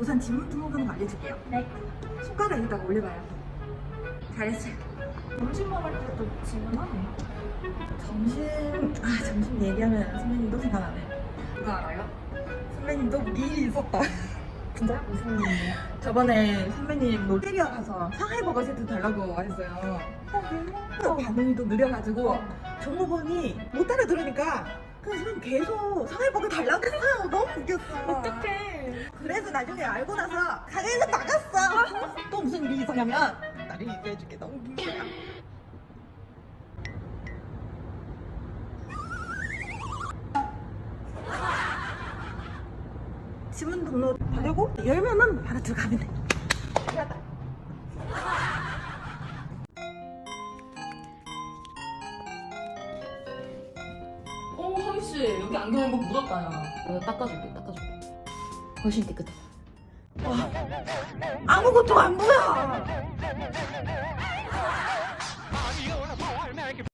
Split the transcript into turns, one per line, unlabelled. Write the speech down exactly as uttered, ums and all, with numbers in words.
우선 지문 등록은 알려줄게요.
네.
손가락 여기다가 올려봐요. 잘했어요.
점심 먹을 때도 질문하네요.
점심, 아 점심 얘기하면 선배님도 생각나네. 그거 알아요? 선배님도 미리 있었다.
진짜? 무슨 일이에요?
저번에 선배님 롯데리아 가서 상하이버거 세트 달라고 했어요. 어, 반응이 또 느려가지고 종업원이 못 따라 들으니까 그 선배님 계속 상하이버거 달라고 했어요. 너무 웃겼어.
어떡해.
그래서 나중에 알고 나서 가게에서 나갔어. 또 무슨 일이 있었냐면 나를 얘기해줄게. 너무 웃긴 거야. 지문 등록 다 되고 열면은 바로 들어가면 돼. 들어갔다.
어, 하미씨, 여기 안경에 뭐 묻었다, 야. 내가 닦아줄게, 닦아줄게. 훨씬 깨끗하다.
아무것도 안 보여.